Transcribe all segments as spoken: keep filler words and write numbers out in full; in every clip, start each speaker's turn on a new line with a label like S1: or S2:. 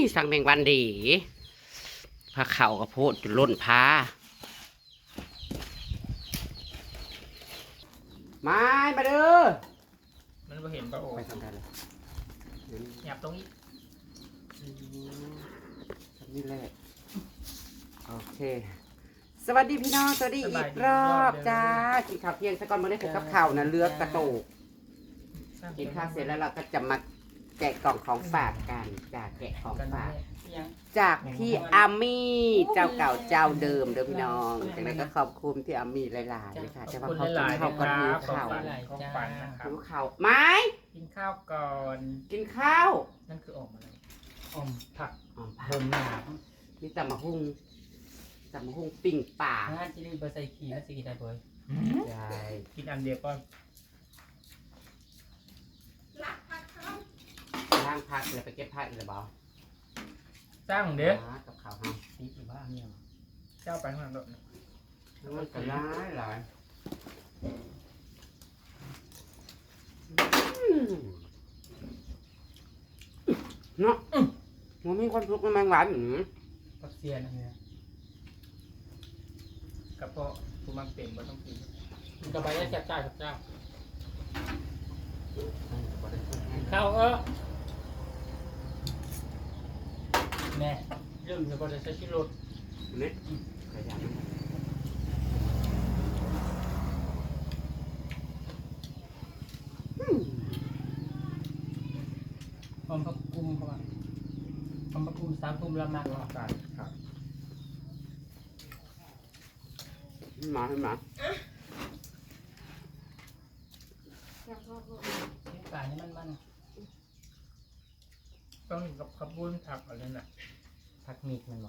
S1: สั่งแมงวันดีพาเข่ากระโพดจนล้นพามามาเด้อ
S2: มันบ่เห็นปะโอ้
S1: ไปทำกันเลย
S2: หยับตรงนี้
S1: ทำนี่แหละโอเคสวัสดีพี่น้องสวัสดีอีกรอบจ้ากินข้าวเที่ยงสักก่อนมาได้ผูกกับข้าวนะเลือกกระโตกกินข้าวเสร็จแล้วเราก็จะมาแกะกล่องของฝากกันจากแกะของฝากจากพี่อามี่เจ้าเก่าเจ้าเดิมเด้อพี่น้องจากนั้นก็ขอบคุณพี่อามี่หลายๆเลยค่ะแต่ว่าเขากินข้าวก่อนหิวข้าว
S2: ของฝันนะครับ
S1: หิวข้าวไม้
S2: กินข้าวก่อน
S1: กินข้าว
S2: นั่นคือออกมาเลยอมผัก
S1: อ๋อ
S2: เพิ่มหนา
S1: มีตำมะฮุ่งตำมะฮุ่งปิ้งป่า
S3: ถ้าจะรีบไปใส่ขี้แล้วจะกินได้บ่อย
S1: ใช่
S2: กินอันเดียวก็
S1: ล้างผักเลยไปเก็บผักอีกแล้วบ่
S2: สร้างเด้อ
S1: กับข้าวห้าม
S3: ตีอยู่บ้านเนี่ย
S2: เจ้าไปข้างหลังโดด
S1: มันก็ร้ายหลายเนาะมันมีคนพลุกน้ำมันหวานอยู่
S3: ปักเซียนเนี่ย
S2: กระเพาะกูมักเต็มบ่ต้องกิน
S3: มันกระบายได้แซ่บจ้าครับเจ้า
S2: ข้าวเออ
S3: แม่เรื่องจะก็จะใช้ชิโรด
S1: นี่ขยัน
S3: พร้อมพักกุมเข้ามาพร้อมพักกุมสามกุมละมาก
S2: อากาศครับ
S1: มาให้มา
S3: ป่านี่มันมัน
S2: ต้องกินกับขับบุ้นผักอะไรน่ะ
S3: ผักมีดมันบอก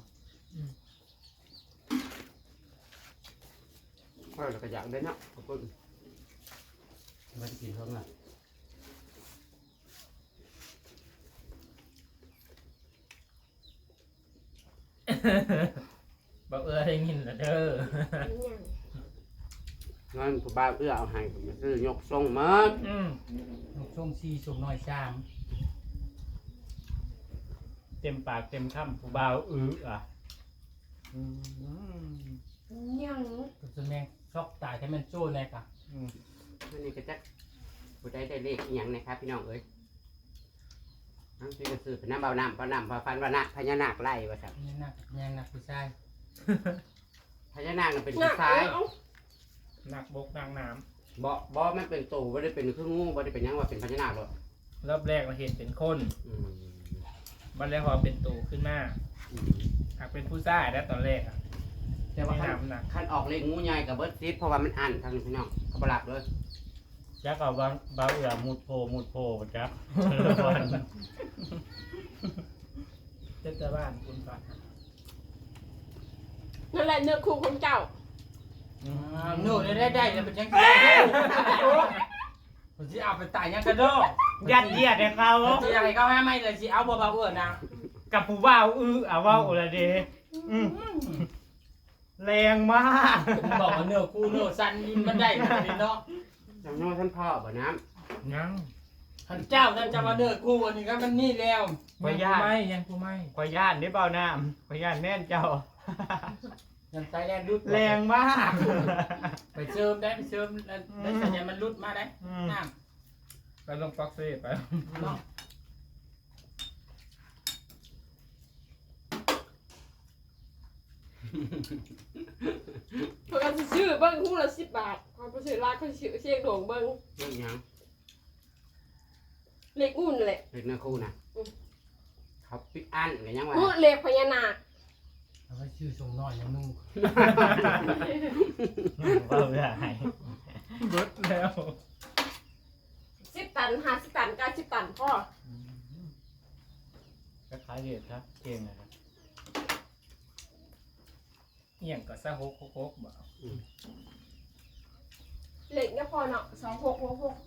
S1: ค่อยเราก็อยากได้เนาะขอบคุณไม่ได้กินเพิ่มอ่ะ
S2: บอกเออได้ยินแล้วเด้อ
S1: งั้นผู้บ่าวเอื้อเอาให้ผมซื้อยกทรงมา
S2: อืม
S3: ลูกช่วงซีสูงน้อยชาม
S2: เต็มปากเต็มคำผู้บ่าวอื้ออ่ะ
S4: ยัง
S3: ตัวจะแม่งช็อกตายให้มันโจ้แน่กะ
S1: อันนี้ก็จะผู้ใดได้เลขอหย่างนะครับพี่น้องเอ้ยนั่นคือก็ซื้อเป็นน้ำเบาน้ำเบาน้ำเบาฟันวานะพญานาคไล่ว่าสับ
S3: นี่นักยังนักผู้ชาย
S1: พญานาคน่ะเป็น
S4: หนั
S1: ผู้
S4: ก
S1: ชาย
S4: เอา
S2: หนักบกนางน้
S1: บ่บ่มันเป็นตู่บ่ได้เป็นเครื่องงูบ่ได้เป็นหยังว่าเป็นพญานาคหรอก
S2: ำรอบแรกเราเห็นเป็นคน
S1: อืม
S2: บันแรกพอเป็นตูขึ้นมา
S1: อืม
S2: หากเป็นผู้ชายแล้วตอนแรกอ่ะ
S1: แต่ว่า
S2: ไม่
S1: คัน
S2: น้ำหนัก
S1: คันออกเลขงูใหญ่กับเบิร์ดซิดเพราะว่ามันอันทางนี้พี่น้องเขาบลับเลย
S5: จักเอาบางบางอย่างมุดโพมุดโพจัก
S2: เจ้าจะบ้านคุณฝัน
S4: นั่นแหละเนื้อคู่ของเจ้า
S3: โน่ได้ได้ได้แล้วเป็นยังไงผมจะเอาไปตายยังกระโดด
S5: ยัดเยียดให้เขา
S3: จะยังไงเขาให้ไม่เลยสิเอาเบาๆเออนะ
S5: กับผู้บ่าวอื้อเอาเว่าอะไรเดอืมแรงมาก
S3: ผมบอกว่าเนื้อคู่เนื้อสั้นมันได้ขนาดนี้เนาะ
S1: จำนวนท่านพ่อบ่น้
S2: ยัง
S3: ท่านเจ้าท่านจะมาเนื้อคู่วันนี้ก็มันนี่แล้ว
S5: ขอญาต
S2: ไม่ยังกูไม่
S5: ขอญาตได้เปล่าน้ำขอญาตแน่นเจ้า
S3: ยังใช้แรงรุด
S5: แรงมาก
S3: ไปเชิมได้ไปเชิมได้สัญญามันรุดมาได้
S5: อืม
S3: น้
S2: ไปลงฟ็อกซี่ไป
S3: ำเนาะ
S4: เขาก็จะซื้อเบิ้งคู่ละสิบบาทเขาไปซื้อร้านเขาซื้อเชียงโด่งเบิ้ง
S1: ำเรื่องหยัง
S4: เล็กอุ่นเลย
S1: เลขเนื้อคู่นะเขาปิดอันกันยังวะ
S4: พูดเล็กพญานาค
S3: เอาไว้ชื่อส่งน้อยยังนุ่ง
S5: เว่าได้
S2: เบิดแล้ว
S4: สิบตันห้าสิบตันเก้าสิบตันพ่อ
S5: ก็ขายเด็ดครับเก่งนะครับ
S2: เอียงก็ซะฮกฮกฮกบ่
S4: เล็กเนี่ยพอเนาะสองหกหกหก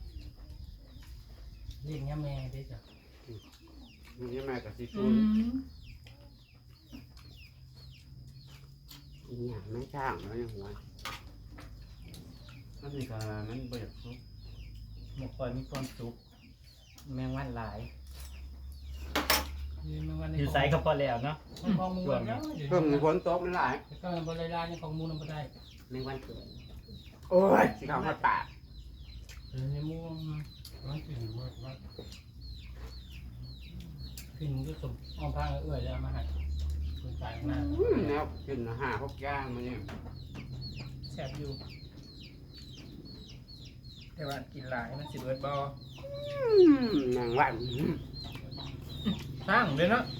S3: เรียกง่แม่ได้จ้ะ
S1: มันยังไงกับซีฟู้ดอีหยังไม่ช่างแล้วยังหัวมันนี่ก็มันเบิดซุป
S5: หมกคอยมีความสุขแมงวันหลาย
S3: นี่มันวัน
S2: เ
S5: อยู่ไซก็พอแล้วเนาะ
S3: มันของมูลแล้ว
S1: เพิ่มฝนตกมันหลาย
S3: ก็บริลาเนี่ยของมูลมันได้
S1: แมงวันเกิดโอ้ยสิเขามาปาก
S3: เออในมูลมันกินมากมากกินก็สมอ้อมพางเอื้อยแล้วมาให้คนตายมาก
S1: อืมแนวกินอาหารพวกย่างมันนี่
S2: แซ่บอยู่แต่ว่ากินหลายมันสิเบิดบ่
S1: อืมแมงวัน
S2: สร้างเลยเนาะ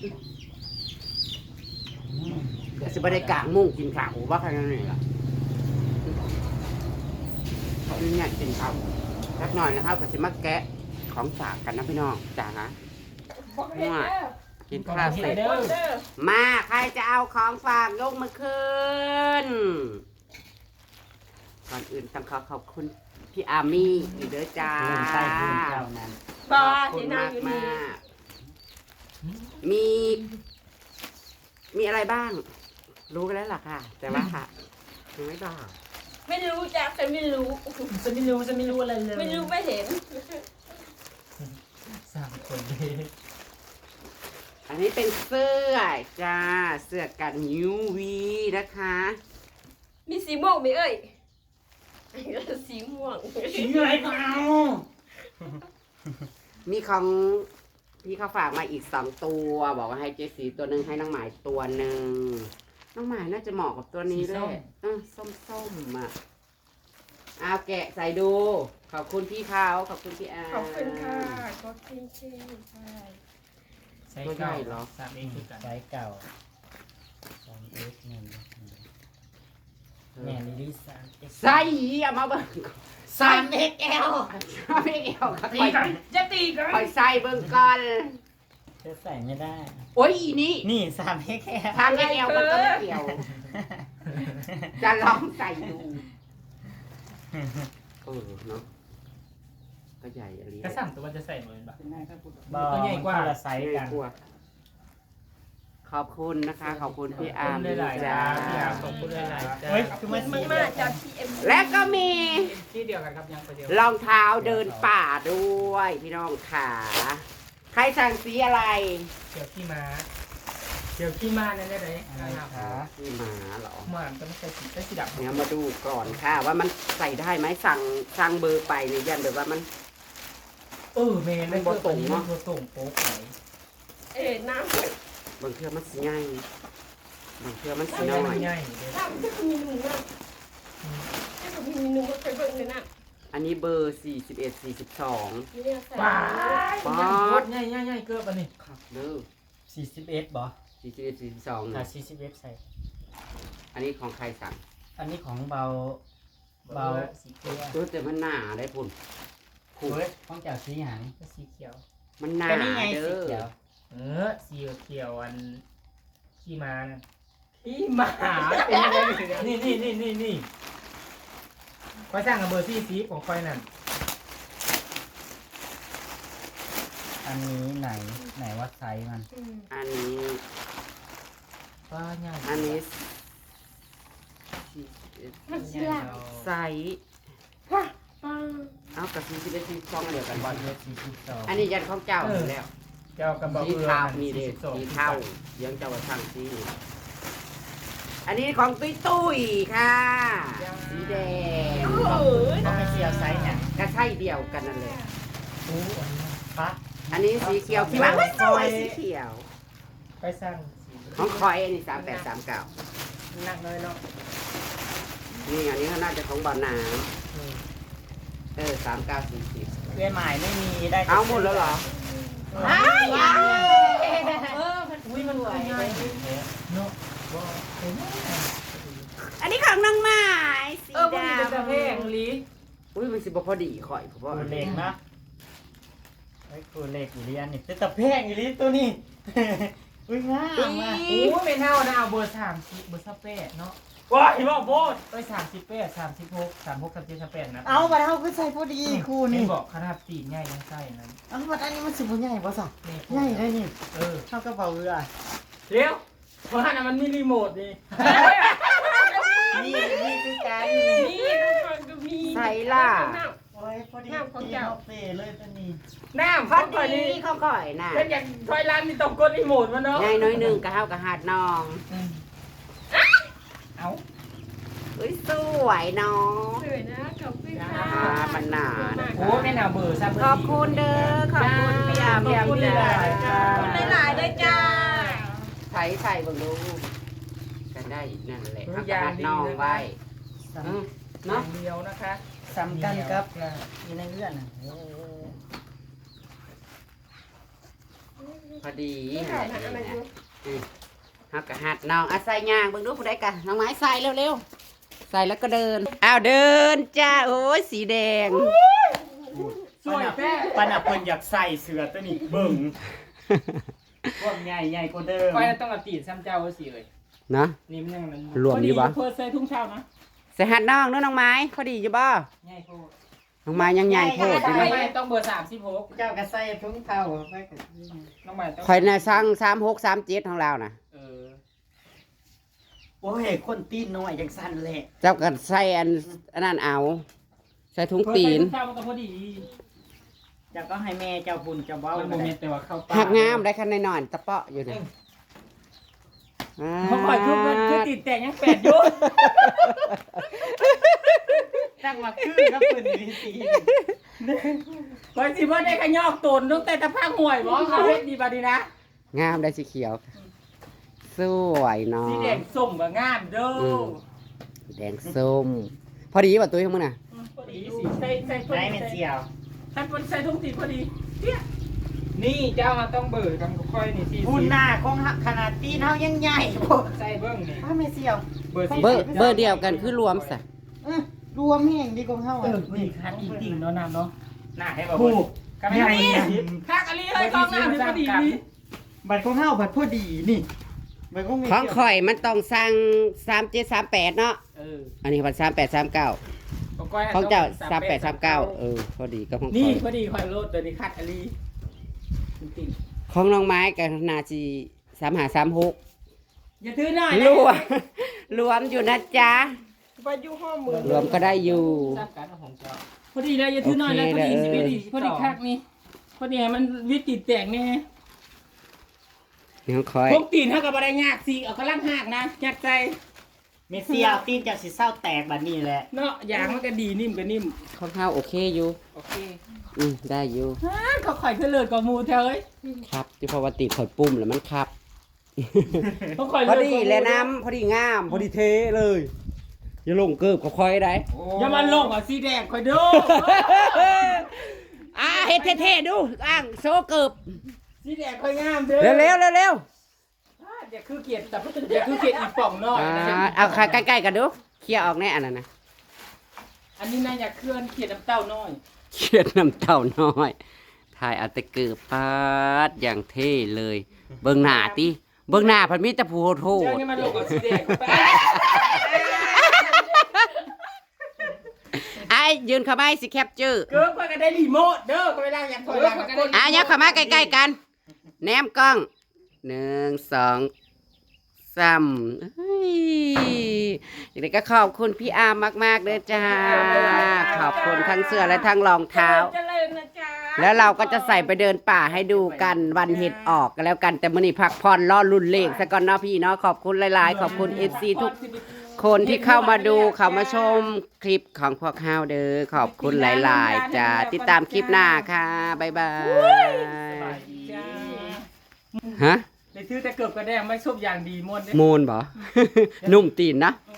S1: เดี๋ยวสิบได้กลางมุ่งกินข้าวว่าใครนั่นนี่ล่ะเขาเนี่ยกินข้าวสักหน่อยนะครับก็สิมาแกะของฝากกันนะพี่น้องจ้าฮะ
S4: บอกเห็นแล้ว
S1: กินข้าวเสร็จ
S4: เด้อเด้อ
S1: มาใครจะเอาของฝากยกมือขึ้นก่อนอื่นต้องขอขอบคุณพี่อามี่อีกเด้อจ้า
S5: เพิ่มไส้เพิ่มเจ้านั้น
S4: บา
S1: ขอบคุ
S4: ที่
S1: ณ
S4: นั่ง
S1: มาก
S4: อยู่
S1: มา
S4: นี่
S1: กมี มีอะไรบ้าง รู้กันแล้วล่ะค่ะ แต่ว่าค่ะยังไม่บอก
S4: ไม่รู้จักแต่ไม่รู้
S5: ฉันไม่รู้ฉันไม่รู้อะไรเลย
S4: ไม่รู้ไม่เห็น
S2: สามคนเลย
S1: อันนี้เป็นเสื้อจ้า เสื้อกัน ยู วี นะคะ
S4: มีสีม่วงไหมเอ่ยสีม่วง
S5: สีอะไรเปล่า
S1: มีของพี่เขาฝากมาอีกสองตัว บอกว่าให้เจสีตัวหนึ่งให้น้องหมายตัวหนึ่งน้องหมายน่าจะเหมาะกับตัวนี้ด้วยเออส้มๆอ่ะเอาแกะใส่ดู ขอบคุณพี่เขาขอบคุณพี่อา
S4: ขอบคุณค่ะก็เท่ๆใช่
S2: ใส่เก้าเหรอสามเองคือกัน
S5: ไซส์เก่าสองเอ็กซ์หนึ่งแม่ลิลิสามเอ็กซ์
S1: ใส่เอามาเบิ่ง
S5: สามเอ็กซ์แอล
S1: ชอบไม่เอวค่ะ
S2: ตี
S1: คอย
S2: กันจะตีกัน
S1: คอยใส่เบิ่งก่อน
S5: เธอใส่ไม่ได้
S1: โอ้ยอีนี่
S5: นี่สามเอ็กซ์แอล
S1: ทางเอวมันก็ไม่เกี่ยว จะลองใส่ดูเออเนาะก็ใหญ่อะไร
S2: กระสั่งตัวจะใส่เหมือนปะ
S3: เป็นไงครับพูด
S5: บอ
S2: ตัวใหญ่กว่า
S5: คนละไซส์กัน
S1: กลัวขอบคุณนะคะ ขอบคุณพี่
S2: ข
S1: อา
S2: อบ
S1: ร์ม
S2: คุณหลายๆ
S1: จ้า
S2: จ้าพี่อาร์มขอบคุณหลายๆจ้า
S5: เฮ้ยคือมัน
S4: มันมาจากทีเอ็ม
S1: และก็มี
S2: ที่เดียวกันครับยังคนเดียว
S1: รองเท้าเดินป่าด้วยพี่น้องขาใครสั่งสีอะไร
S2: เกี่ยวขี้ม้าเกี่ยวขี้ม้าเนี่ยได้ไหม
S5: อะไรคะ
S1: สีหมาเหรอ
S2: หมาจะไม่ใช่สีใช่สีดำ
S1: เดี๋ยวมาดูก่อนค่ะ ว่ามันใส่ได้ไหมสั่งสั่งเบอร์ไปเนี่ยยันแบบว่ามัน
S2: เออเมนไม่เกิดตรงเนาะตรงโป๊กไหน
S4: เอ๋น้ำ
S1: บางเทื่อมันสีง่ายบางเทื่อมันสี
S2: สี
S1: น้
S2: น้
S1: อ
S2: อย
S1: ย
S2: ง่ายเลย
S4: น้ำจะมีหนุ่มนะจะมีหนุ่มก็ไปเบิ่งเลยนะ
S1: อันนี้เบอร์สี่สิบเอ็ดสี่สิบสอง
S4: เนี่ยใส่
S2: ว้ายง่ายง่ายง่ายเกิดปะนี่
S1: ครับเด้อ
S5: สี่สิบเอ็ดบอ
S1: สี่สิบเอ็ดสี่สิบสอง
S5: ถ้าสี่สิบเอ็ดใส่
S1: อันนี้ของใครสั่ง
S5: อันนี้ของเบา เบา
S2: สีเขียว
S1: ตัวแต่มันหนาได้พุ่นพุ่น
S5: เฮ้ยของเจ้าสีหาง
S2: สีเขียว
S1: มันหนา
S5: ก็นี่ไง
S1: เด้
S5: สี
S1: อ
S5: เขียว
S2: เออสีเขียวอันขี้ม้านะ
S5: พี่หมาเป็นยังไงนี่นี่นี่นี่นี่
S2: คอยสร้างกับเบอร์ซี่สีของคอยนั่น
S5: อันนี้ไหนไหนว่าไซส์มัน
S1: อันนี้
S2: ว่าง่าย
S1: อันนี้
S4: มันเชื่อ
S1: ไซส์
S4: ว้าปัง
S1: เอากับสี่สิบเอ็ดสี่สิบสองเดียวกันบอล
S5: เอ็ดสี่สิบสอง
S1: อันนี้ยันของเจ้าอยู่แล้ว
S2: เจ้ากับเบอร์
S1: สี
S2: เอือ
S1: เทานี่เด็
S2: สิบสอง
S1: สีเทาเลี้ยงเจ้าว่าช่างสีอันนี้ของตุ้ยตุ้ยค่ะ สีแดง
S4: โอ้โห
S5: ต้องไปเสียวไซส์เนี่ย
S1: ก็ใช่เดียวกันนั่นเลย
S2: โอ้อันนี้
S5: ปะ
S1: อันนี้สีเขียวที่ว่าไม่สวยสีเขียว
S2: ไปสร้างสี
S1: ของคอยอันนี้สามแปดสามเก้า
S2: หนักเลยเนาะ
S1: นี่อันนี้เขาน่าจะของบ่อน้
S2: อืม
S1: ำเออสามเก้าสี่สิบ
S5: เพื่อนหมายไม่มีได้
S1: เอาหมดแล้วเหรอ
S2: อ้า
S1: อ้าว
S4: เออมัน
S2: อุ้ยมันสวยง่ายเนาะว่าเห็นไหม
S1: อันนี้ของน้องไม้สี
S2: เออมัน
S1: ด
S2: มีแต่เพลงลี
S1: ำอุ้ยมันสิบ่พอดีข่อยเพราะว่า
S5: คูเล็กนะไอ้คูเล็กอีลีอันนี้แต่แพงอีลีตัวนี้ อุ้ยง่ามมาก
S2: โอ้ไม่เท่านะเอาเบอร์สามสิบเบอร์สเปดเนาะ
S5: ว้ายบอกโบด
S2: เอ้ยสามสิบแปดสามสิบหกสามหกสามเจ็ดสามแปดนะ
S5: เอาไปเอาคือใส่พอดีคู
S2: นี่
S5: นี่
S2: บอกขนาดตีนใหญ่ยังใส่นั้น
S5: เอาบัดอันนี้มันสิบใหญ่ป่ะสัก
S2: นี่
S5: ใหญ่เลยนี่
S2: เออ
S5: เท่ากระเป๋าเรือ
S2: เร็วเพราะนั้นมันมีรีโมทนี่
S5: นี่นี่คือการ
S4: นี่ทุกคนก็มี
S1: ใส่ล่ะ
S5: โอ้ยพอดี
S4: น้ำของเจ้า
S5: เฟ่เลยตัวนี้
S2: น้ำ
S1: พอ
S2: เขาก่อน
S1: ดี
S2: นี่
S1: เขาก่อยน่ะ
S2: เป็นอย่างถอยร้านนี่ต้องกดรีโมทมันเนาะ
S1: ยายน้อยหนึงก็เฮากับหาดน้อง
S2: เอา
S1: เอ้ยสวยเนาะ
S4: สวยนะขอบคุณค่ะ
S1: อ่าปัญหา
S2: โอ้แม่น่าเบื่อซะเบื่
S1: ขอบคุณเด้อขอบคุณพี่อา
S2: ขอบคุณ
S1: พี่
S2: ห
S1: อา
S2: ลายๆจ้า
S4: ขอบคุณหลายๆด้วยจ้า
S1: ใช้ใส่เบิ่งดูกันได้อีกนั่นแหละเอากระดาษน้องไว้อืม
S2: เนาะ
S1: เนาะ
S2: เดียวนะคะ
S5: สำคัญครับอยู่ในเรื่องน่ะเออ
S1: พอดี
S4: นี่
S1: แห
S4: ค่ะ
S1: ละ
S4: อะไร
S1: นี่
S4: ดู
S1: นะเฮากระหัดน้องอ่ะใส่ย่างเบิ่งดูผู้ใดกันน้องไม้ใส่เร็วๆใส่แล้วก็เดินอ้าวเดินจ้าโอ้ยสีแดง
S2: สวยแท้
S5: ปานับเพิ่นอยากใส่เสื้อตัวนี้เบิ่งพวกใหญ่ใหญ่กว่าเดิม
S2: ไปต้องเอาตีนซ้ำเจ้าสิเลย
S1: เนาะ
S2: นี่มันยังมัน
S1: รวมอยู่ปะ
S2: พอเพิ่นใส่ทุ่งเช้านะ
S1: ใส่หัดน้องเด้อน้องไม้พอดีอยู่บ่
S2: ง่ายโพด
S1: น้องไม้ยังใหญ่โพดอยู่
S2: น้อง
S1: เนาะ
S2: ใหม่ต้องเบอร์สามสิบหก
S5: เจ้าก็ใส่ถุงเท้าไปก็
S2: น้องใหม่ต้อง
S1: ข่อยน่ะสั่งสามหกสามเจ็ดของเราน่ะ
S2: เออ
S5: โอ้ยคนตีนน้อยจังสั่นแหละ
S1: เจ้าก็ใส่อันอันนั้นเอาใส่ถุงตีน
S2: เพิ่ใส่ทุ่งเช้ามันก็พอดี
S5: เจ้าก็ให้แม่เจ้าบุญเจ้าเว้า
S2: มันโมเมนต์แต่ว่าเข้าป
S1: หักงามได้คันหน่อยๆตะเปาะอยู่เนี่ยอ่า
S2: เขาคอยคือมันคือติดแต่ยังแปดอยุ
S5: ตั้งมาคือครับเพิ่นนี่สิ
S2: คอยสิว่าได้ขยอกตนตั้งแต่ตะพังห่วยบ่เขาเฮ็ดดีบาดีนะ
S1: งามได้สีเขียว สวยเนาะ
S2: สีแดงส้มก็งามเด้อ
S1: อืม แดงส้ม พอดีป่ะตุ้ยของมึงน่ะ
S2: พอดีสิใส่ใส่
S5: ได้แม่เสี่ยว
S2: ใส่ใส่ทุ่งตีพอดีเนี่ยนี่เจ้ามาต้องเบิดกันค่อยนี่สิ
S5: บุญหน้าของขนาดตีนเฮายังใหญ่โพด
S2: ใส่เบิ้งนี่
S5: ถ้าแม่เสี่ยว
S2: เบอร์สี่
S1: เบอร์เบอร์เดียวกันคือรวมสะ
S5: เอ้อรวมแห่งดีกว่าเฮา
S2: เอ
S5: อ่ะ
S2: อนี่คันอีกติ่งเนาะน้ำเนาะหน้าให้บอก
S5: ถูก
S2: กันไม่ได้คักอะไรเลยกองน้ำนี่พอดีนี่
S5: บัตรของเฮาบัตรพอดีนี่บัตรของแม่
S1: ของ
S5: เสี่ยว
S1: ข่อยมันต้องสั่งสามเจ็ดสามแปดเนาะ
S2: เออ
S1: อันนี้มันสามแปดสามเก้าของเจ้าสามแปดสามเก้าเออ พอดีก็ของข่
S2: นี่
S1: อย
S2: พอดีคอยโลดตัวนี้คัดอะไรติ่ง
S1: ของน้องไม้กับนาจีสามหาสามหก
S2: อย่าถือหน่อย
S1: รวม รวมอยู่นะจ๊ะ
S3: ไปอยู่ห้องมือ
S1: รวมก็ได้อยู่
S2: ทราบการของเจ้าพอดีเลยอย่าถือหน่อยแล้วพอดีพอดีพอดีคักนี่พอดีมันวิติแตกแน่
S1: นี่ของข่อย
S2: พวกตีนเท่ากับอะไรยากสิเอากระลังหักนะยัดใจ
S5: แม่เสี่ยวตีนจากสิเศร้าแตกบัดนี้แหละ
S2: เนาะยางมันก็ดีนิ่มก็นิ่ม
S1: ของข้าวโอเคอยู่
S2: โอเค
S1: อืมได้อยู่
S2: ฮ่าเขาข่อยเพื่อเลิศกับหมูเธอเอ้ย
S1: ครับที่พอวันติข่อยปุ่มแล้วมันครับ
S2: เขาข่อย
S1: พอ
S2: เลิศ
S1: ดี
S2: กับหมู
S1: แล้วน้ำพอดีงาม พอดีเทเลย อย่าลงเกิบกับคอยได้
S2: อย่ามาลงอ่ะสีแดงข่อยดู
S1: อ่าเฮ็ดเท่ๆดูอ้างโซเกิบ
S2: สีแดงข่อยงามเด้อ
S1: เร็วเร็วเร็วเร็ว
S2: อ่าอย่าคือเกียรติแต่อย่าคือเกียรติอีกป่องน้อย
S1: อ่า
S2: นะ
S1: เอาใกล้ๆกันดูเคลียร์ออกแน่อันนั้นนะ
S2: อันนี้นะอย่าเคลื่อนเกียรติน้ำเต้าน้อย
S1: เคลียร์น้ำเต่าน้อยถ่ายเอาแต่เกิบปาดอย่างเท่เลย เบิ่งหน้าติเบิ่งหน้าพันมีแต่ผู้โท
S2: เจ้า
S1: ษ
S2: นี่มาลงกับสีแดงเข้าไป
S1: ไอ้ยืนเข้ามาให้สิแคปเจอร์
S2: เกิร์ข่อยก็ได้รีโมทเด้อก็เวลาอยากถอยหลังก็กด
S1: อ่ะยักเข้ามาใกล้ๆกัน แนมกล้องหนึ่งสองสามเฮ้ยอย่างไรก็ขอบคุณพี่อาร์มมากๆเลยจ้า ขอบคุณทั้งเสื้อและทั้งรองเท้า
S4: เจริญนะจ๊ะ
S1: แล้วเราก็จะใส่ไปเดินป่าให้ดูกันวันเห็ดออกกันแล้วกันแต่มื้อนี้พักผ่อนรอรุ่นเลขซะก่อนเนาะพี่เนาะขอบคุณหลายๆ ขอบคุณ เอฟ ซี ทุกคนที่เข้ามาดูเข้ามาชมคลิปของพวกเฮาเด้อขอบคุณหลายๆจ้าติดตามคลิปหน้าค่ะบ๊ายบาย
S2: จ้า
S1: ฮะ
S2: ในถือแต่เกือบกระแดงไม่ชอบอย่างดีมวนเด้
S1: มูนบ่ นุ่มตีนนะ
S2: เ